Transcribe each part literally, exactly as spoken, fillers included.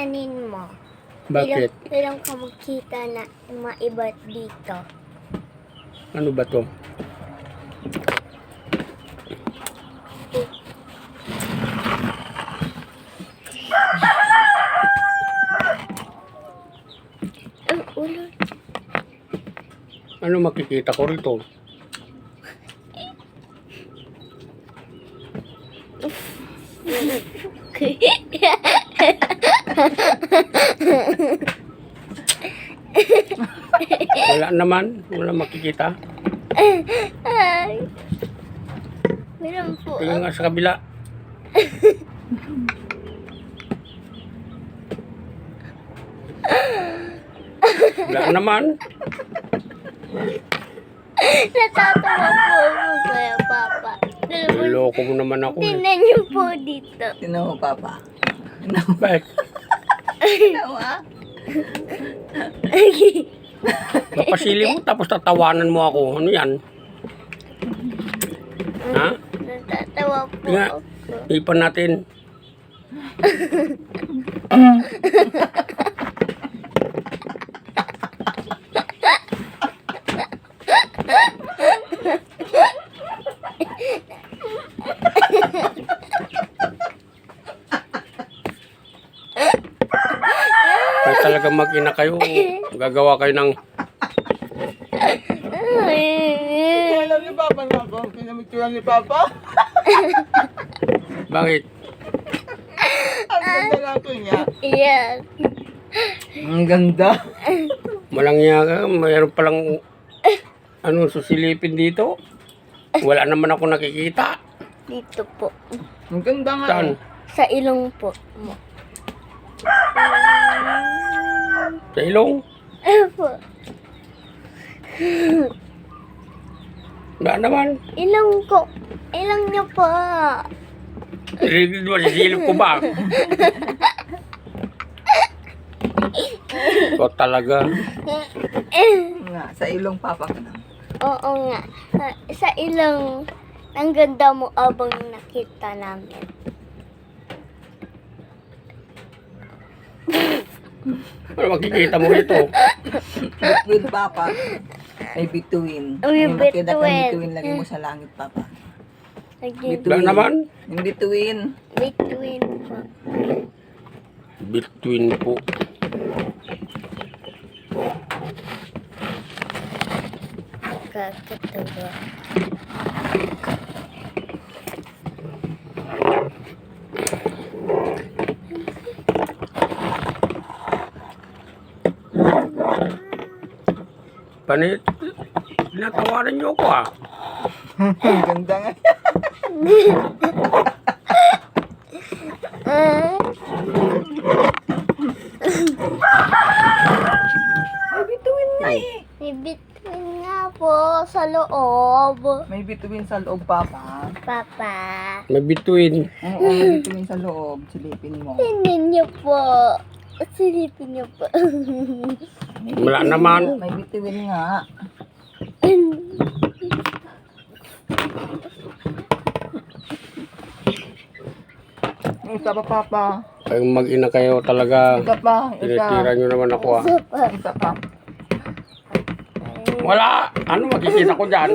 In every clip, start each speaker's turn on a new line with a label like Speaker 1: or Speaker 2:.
Speaker 1: kilalanin mo?
Speaker 2: Bakit?
Speaker 1: Ilang, ilang ka makita na maiba dito?
Speaker 2: Ano ba to?
Speaker 1: Ang ulo.
Speaker 2: Ano makikita ko rito? Wala naman. Wala makikita.
Speaker 1: Ay. Meron po.
Speaker 2: Tingnan nga sa kabila. Wala naman.
Speaker 1: Natatawa po ako, Kuya Papa.
Speaker 2: Niloko mo naman ako. Eh.
Speaker 1: Tingnan niyo po dito.
Speaker 3: Tingnan mo, Papa. Tingnan mo.
Speaker 2: Bakit?
Speaker 3: Tingnan mo, ah.
Speaker 2: Napasili mo tapos tatawanan mo ako. Ano yan? Ha?
Speaker 1: Natatawa po
Speaker 2: Nga.
Speaker 1: ako.
Speaker 2: Ipan natin. Kaya talaga mag-ina kayo. Gagawa kayo ng...
Speaker 3: Alam ni Papa na ako. Pinamituran ni Papa.
Speaker 2: Bakit?
Speaker 3: Ang ganda lang ko niya.
Speaker 1: Yes.
Speaker 3: Ang ganda.
Speaker 2: Malangya ka. Mayroon palang... Ano, susilipin dito. Wala naman ako nakikita.
Speaker 1: Dito po.
Speaker 3: Ang ganda nga.
Speaker 2: Saan?
Speaker 1: Sa ilong po mo.
Speaker 2: Sa ilong?
Speaker 1: Opo.
Speaker 2: Wala naman.
Speaker 1: Ilong ko. Ilong niyo po.
Speaker 2: Silip mo, sisilip ko ba? Ikaw talaga.
Speaker 3: Nga, sa ilong Papa ka na.
Speaker 1: Oo nga. Sa, sa ilong. Ang ganda mo abang nakita namin.
Speaker 2: Ano makikita mo rito?
Speaker 3: With Papa. May bituin.
Speaker 1: May
Speaker 3: Yung nakita kang
Speaker 1: bituin.
Speaker 3: bituin, lagay mo sa langit, Papa.
Speaker 1: Again.
Speaker 2: Wala naman.
Speaker 3: Yung bituin.
Speaker 1: Between po.
Speaker 2: Between po.
Speaker 1: Kakatawa.
Speaker 2: Panit. Tinatawanan niyo ako ah.
Speaker 3: Ang ganda nga.
Speaker 1: Ah,
Speaker 3: May bituin nga eh.
Speaker 1: may between nga po sa loob.
Speaker 3: May bituin sa loob, Papa.
Speaker 1: Papa.
Speaker 2: May between.
Speaker 3: Oo, may bituin sa loob. Silipin mo.
Speaker 1: Tingnan niyo po. Silipin niyo po.
Speaker 3: May
Speaker 2: Wala
Speaker 3: bituin
Speaker 2: naman.
Speaker 3: nga, May bituin nga. Isa pa, Papa.
Speaker 2: Kayong mag-ina kayo talaga.
Speaker 3: Isa pa. Isa.
Speaker 2: Tinitira niyo naman ako ah.
Speaker 1: Isa pa.
Speaker 3: Isa pa.
Speaker 2: Wala. Ano makikita ko dyan?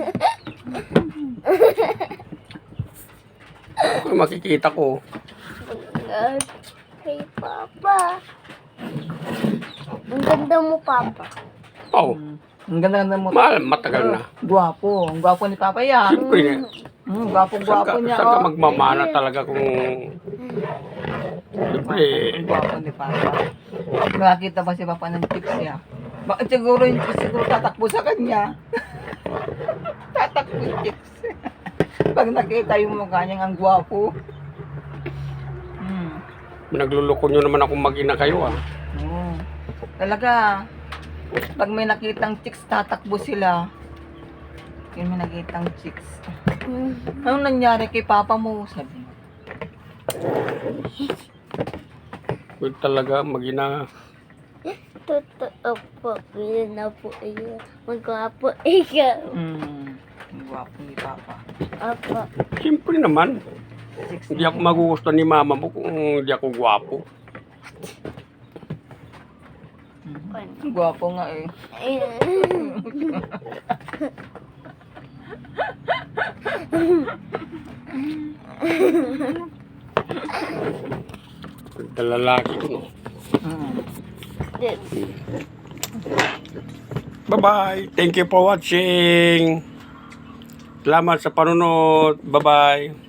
Speaker 2: Ano makikita ko?
Speaker 1: God. Kay Papa. Ang ganda mo, Papa.
Speaker 2: Oh,
Speaker 3: Ang ganda-ganda mo.
Speaker 2: mahal. Matagal na.
Speaker 3: Guwapo. Ang guwapo ni Papa yan.
Speaker 2: Siyempre na.
Speaker 3: Hmm,
Speaker 2: Saan
Speaker 3: guwapo-guwapo
Speaker 2: ka,
Speaker 3: niya.
Speaker 2: saan ka
Speaker 3: Oh.
Speaker 2: magmamana talaga kung... Siyempre,
Speaker 3: Ang guwapo ni Papa. Nakakita ba si Papa ng chips niya? Bakit siguro yung chips siguro tatakbo sa kanya? Tatakbo yung chips. Pag nakita yung mukha niyang ang guwapo. Hmm.
Speaker 2: nagluloko nyo naman akong mag-ina kayo ah.
Speaker 3: Oo. Talaga, pag may nakitang chicks, tatakbo sila. Yung may nakitang chicks. Anong nangyari kay Papa mo? Sabi mo.
Speaker 2: Huwag talaga mag-ina.
Speaker 1: Totoo po. Yun na po iyo. Magwapo ikaw.
Speaker 3: Hmm. Ang gwapo ni Papa.
Speaker 1: Opo.
Speaker 2: Siyempre naman.
Speaker 3: Chicks
Speaker 2: Hindi ako magugustuhan ni mama mo kung hindi ako gwapo.
Speaker 3: Gwapo nga eh.
Speaker 2: Lalaki ko.
Speaker 3: Mm.
Speaker 2: Bye-bye. Thank you for watching. Salamat sa panunod. Bye-bye.